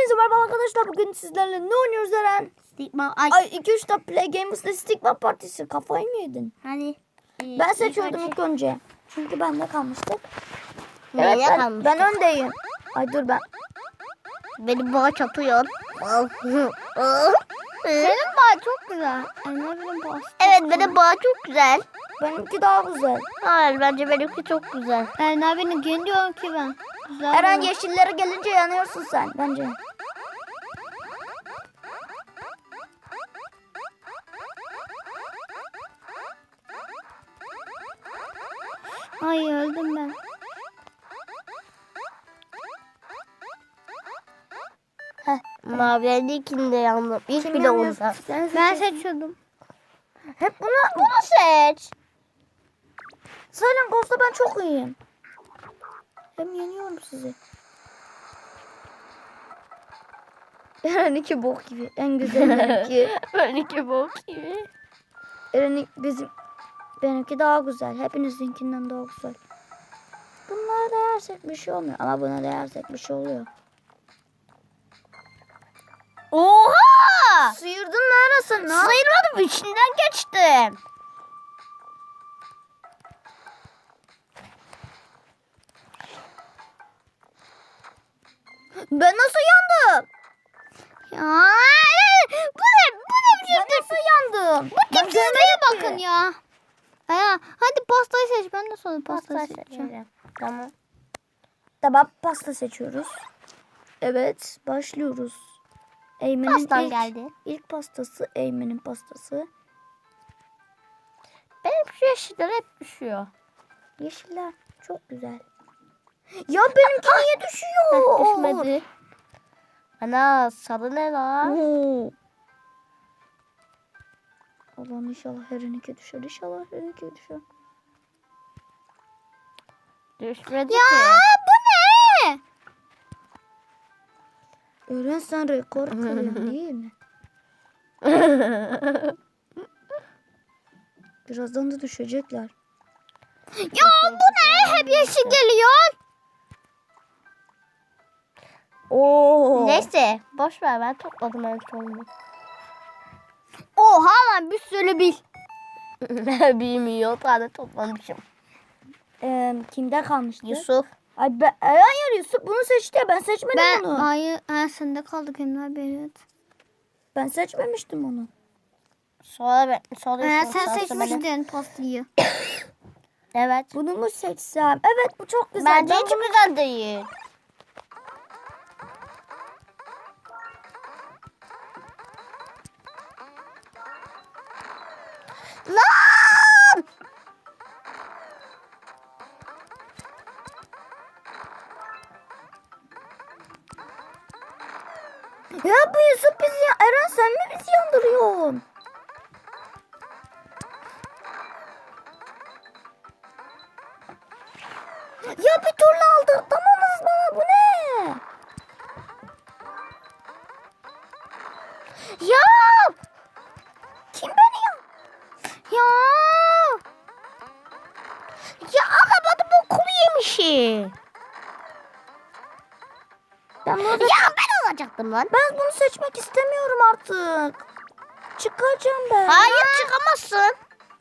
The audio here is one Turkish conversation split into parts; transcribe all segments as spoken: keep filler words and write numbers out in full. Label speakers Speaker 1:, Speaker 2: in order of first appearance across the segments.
Speaker 1: Hepinize merhaba arkadaşlar. Bugün sizlerle ne oynuyoruz Eren?
Speaker 2: Stigma. Ay.
Speaker 1: Ay iki üç de Play Gamers'da Stigma Partisi. Kafayı mı yedin?
Speaker 2: Hani. E,
Speaker 1: Ben seçiyordum ilk önce. Çünkü bende kalmıştık. Evet
Speaker 2: Neyle
Speaker 1: ben,
Speaker 2: kalmıştık?
Speaker 1: ben öndeyim. Ay dur ben.
Speaker 2: Benim boğa çatıyor.
Speaker 1: Senin bağ çok güzel. Ay, ne bileyim bağ.
Speaker 2: Evet benim boğa çok güzel.
Speaker 1: Benimki daha güzel.
Speaker 2: Hayır bence benimki çok güzel.
Speaker 3: Eren abinin gün diyorum ki ben. Güzel
Speaker 1: Eren
Speaker 3: mi?
Speaker 1: yeşillere gelince yanıyorsun sen bence.
Speaker 3: Ay öldüm ben.
Speaker 2: Mavi'ninkinde yandım. İlk
Speaker 1: Kim
Speaker 2: bile
Speaker 1: yanıyorsun?
Speaker 2: onda.
Speaker 1: Sen
Speaker 3: Ben
Speaker 1: seçiyorsun.
Speaker 3: seçiyordum.
Speaker 1: Hep bunu
Speaker 2: Bunu seç.
Speaker 1: Silent Ghost'ta ben çok iyiyim. Hem yeniyorum sizi. Eren iki bok gibi. En güzelki.
Speaker 2: Benimki bok gibi.
Speaker 1: Eren bizim benimki daha güzel. Hepinizinkinden daha güzel. Bunlara değersek bir şey olmuyor. Ama buna değersek bir şey oluyor.
Speaker 2: Oha!
Speaker 1: Sıyırdın mı arasın?
Speaker 2: Sayılmadım, içinden geçtim.
Speaker 1: Ben nasıl yandım?
Speaker 2: Ya, bu ne? Bu ne biçim?
Speaker 1: Ben nasıl yandım?
Speaker 2: Bu tipsizliğe
Speaker 3: Bakın ya. Aya, hadi pastayı seç. Ben de sonra pastayı
Speaker 2: Pasta
Speaker 3: seçeceğim.
Speaker 2: seçelim. Tamam.
Speaker 1: Tamam pasta seçiyoruz. Evet başlıyoruz. Eymen'in
Speaker 2: Pastan
Speaker 1: ilk,
Speaker 2: geldi.
Speaker 1: ilk pastası Eymen'in pastası.
Speaker 2: Benim şu yeşiller hep düşüyor.
Speaker 1: Yeşiller çok güzel. Ya benimki niye düşüyor?
Speaker 2: Düşmedi. Ana sarı ne lan?
Speaker 1: Oo. Allah'ım inşallah her iki düşer. İnşallah her iki düşer.
Speaker 2: Düşmedi
Speaker 3: Ya
Speaker 2: ki.
Speaker 3: bu ne?
Speaker 1: Öğren sen rekor kırıyorsun değil mi? Birazdan da düşecekler.
Speaker 3: Ya bu ne? Hep yeşil geliyor.
Speaker 1: Oo.
Speaker 2: Neyse boş ver, ben topladım en sonunda.
Speaker 3: Oha lan bir sürü bil.
Speaker 2: Bilmiyor, tane toplamışım.
Speaker 1: Ee, kimde kalmıştı?
Speaker 2: Yusuf.
Speaker 1: Ay ben, ay, hayır Yusuf bunu seçti. Ben seçmedim
Speaker 3: Ben
Speaker 1: onu.
Speaker 3: hayır, ha, sende kaldık Emre Bey. Evet.
Speaker 1: Ben seçmemiştim onu.
Speaker 2: Sonra ben sonra
Speaker 3: Ha,
Speaker 2: Yusuf,
Speaker 3: sen
Speaker 2: sonra beni.
Speaker 3: seçmiştin pastayı.
Speaker 2: Evet.
Speaker 1: Bunu mu seçsem? Evet bu çok güzel.
Speaker 2: Bence
Speaker 1: Ben
Speaker 2: hiç
Speaker 1: bunu-
Speaker 2: güzel değil. Lan!
Speaker 1: Ya bu Yusuf bizi Eren sen mi bizi yandırıyorsun? Ya bir türlü aldırtamamız bana bu ne?
Speaker 2: Ya!
Speaker 1: Kim beni ya?
Speaker 2: Ya! Ya alamadım, okulu yemişim.
Speaker 1: Ben, bunu,
Speaker 2: Ya ben alacaktım lan.
Speaker 1: ben bunu seçmek istemiyorum artık. Çıkacağım ben.
Speaker 2: Hayır, çıkamazsın.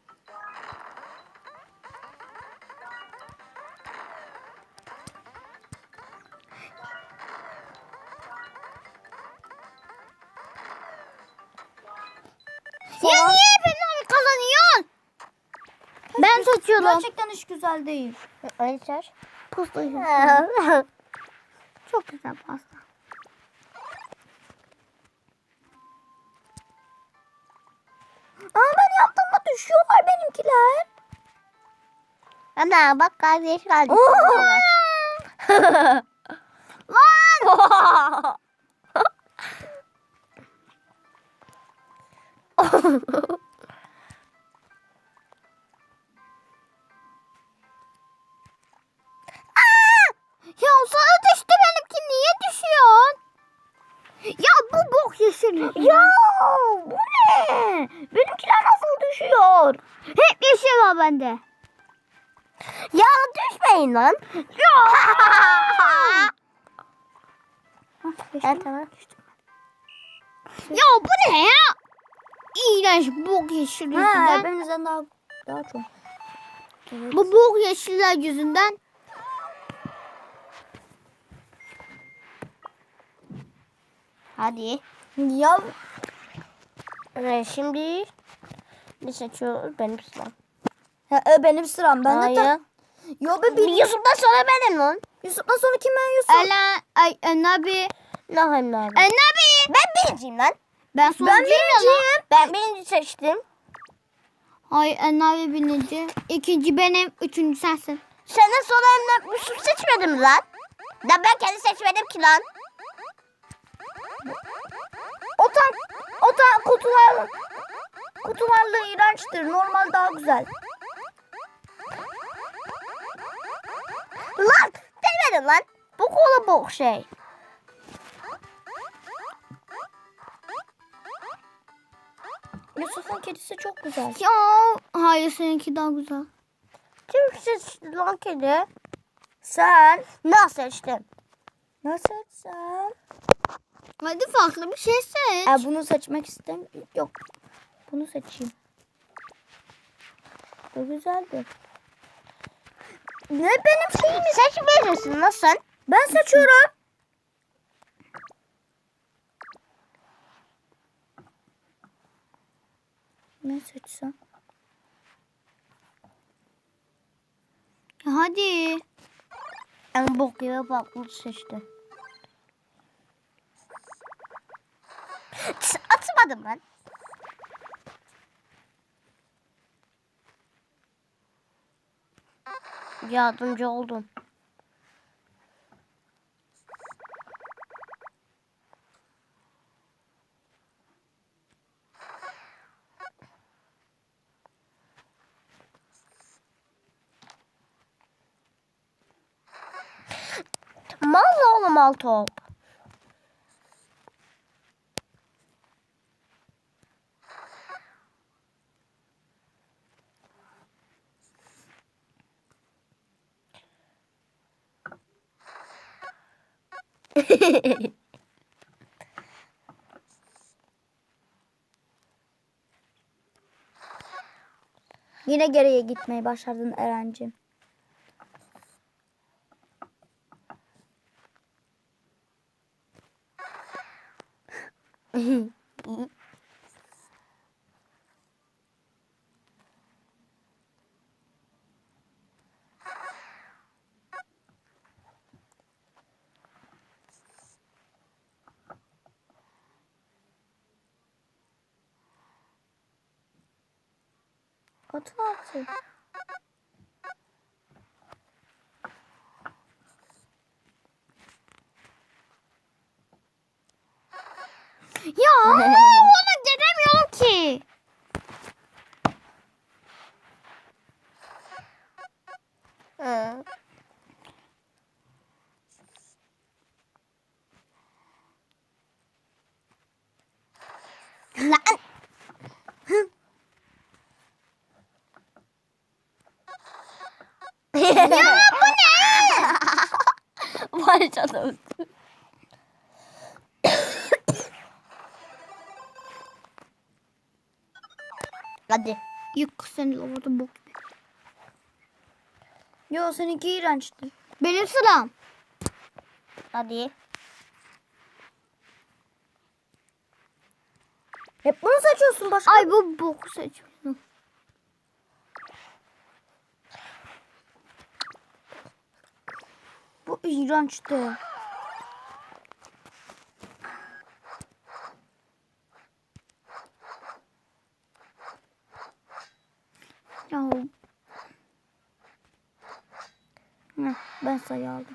Speaker 2: Ya niye hep kazanıyorsun?
Speaker 3: Ben seçiyorum.
Speaker 1: Gerçekten hiç güzel değil.
Speaker 2: Öyle seç.
Speaker 3: Pastayı. Çok güzel pasta.
Speaker 1: Aa ben yaptığımda düşüyorlar benimkiler.
Speaker 2: Ana bak, kardeş kardeş.
Speaker 3: Lan! Ya sana düştü, benimki niye düşüyor? Ya bu bok yeşil.
Speaker 1: Ya bu ne? Benimkiler nasıl düşüyor?
Speaker 3: Hep yeşil var bende.
Speaker 2: Ya düşmeyin lan.
Speaker 3: Ya.
Speaker 1: Hah,
Speaker 3: Ha,
Speaker 1: geçtim.
Speaker 3: tamam. Ya bu ne ya? İğrenç bok yeşil
Speaker 1: Ha,
Speaker 3: yüzünden.
Speaker 1: benimizden daha daha çok. Evet.
Speaker 3: Bu bok yeşiller yüzünden. Hadi.
Speaker 1: Ya
Speaker 3: Evet, şimdi ne seçiyoruz? Benim sıram.
Speaker 1: ha, e, benim sıram. Ben de
Speaker 3: Hayır.
Speaker 1: ta... Yo be
Speaker 3: Bir
Speaker 1: bir
Speaker 3: Yusuf'tan sonra benim lan.
Speaker 1: Yusuf'tan sonra kim ben Yusuf?
Speaker 3: Ela, ay, Enabi.
Speaker 1: Ne hem abi?
Speaker 3: Enabi.
Speaker 2: Ben birinciyim lan.
Speaker 3: Ben sonuncuyum ya lan.
Speaker 2: Ben birinci seçtim.
Speaker 3: Hayır, Enabi birinci. İkinci benim, üçüncü sensin.
Speaker 2: Senden sonra Emre Yusuf seçmedim lan. Ya ben kendi seçmedim ki lan.
Speaker 1: O tank, o tank kutular kutularla iğrençtir. Normal daha güzel.
Speaker 2: Lan demedim lan. Bu kola bok şey.
Speaker 1: Yusuf'un kedisi çok güzel.
Speaker 3: Ya, hayır seninki daha güzel.
Speaker 2: Kim seçti lan kedi?
Speaker 1: Sen
Speaker 2: Ne seçtim?
Speaker 1: nasıl sen?
Speaker 3: Hadi farklı bir şey seç.
Speaker 1: E, bunu seçmek istemiyorum. Yok. Bunu seçeyim. Bu güzeldi. Ne benim şeyim?
Speaker 2: Seçmeyeceksin lan sen.
Speaker 1: Ben seçiyorum. Ne seçsem?
Speaker 3: Ya hadi.
Speaker 2: En bok gibi baklı seçti. Tıs, atmadım ben. Yardımcı oldum. Mal oğlum al top.
Speaker 1: Yine geriye gitmeyi başardın Eren'cim. Atın altı.
Speaker 3: Ya onu göremiyorum ki.
Speaker 2: Hı. Lan. Ya bu ne? Vay canım. Hadi.
Speaker 3: Yık seni orada bok gibi.
Speaker 1: Yo seninki iğrençti.
Speaker 3: Benim sıram.
Speaker 2: Hadi.
Speaker 1: Hep bunu seçiyorsun başka.
Speaker 3: Ay bu boku seçiyorum.
Speaker 1: Bu iğrençti.
Speaker 3: Ya
Speaker 1: Heh, ben sayı aldım.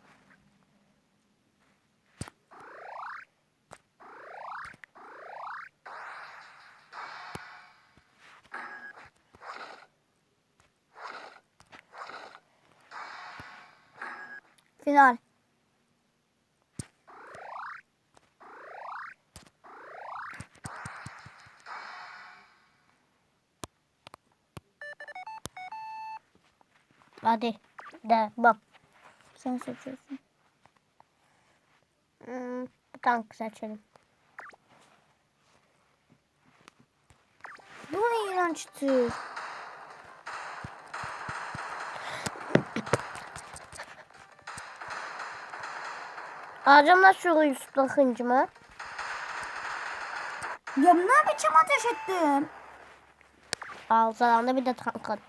Speaker 1: Final.
Speaker 2: Hadi. De bak.
Speaker 1: Sen seçiyorsun.
Speaker 2: Hmm. tank seçelim.
Speaker 1: Bu ne iğrenç tür.
Speaker 2: Ağacımla şu Yusuf'la hıncımı.
Speaker 1: Ya ne biçim ateş ettim.
Speaker 2: Ağızlarında bir de tank at.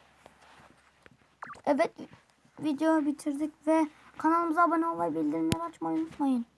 Speaker 1: Evet, videoyu bitirdik ve kanalımıza abone olmayı, bildirimleri açmayı unutmayın.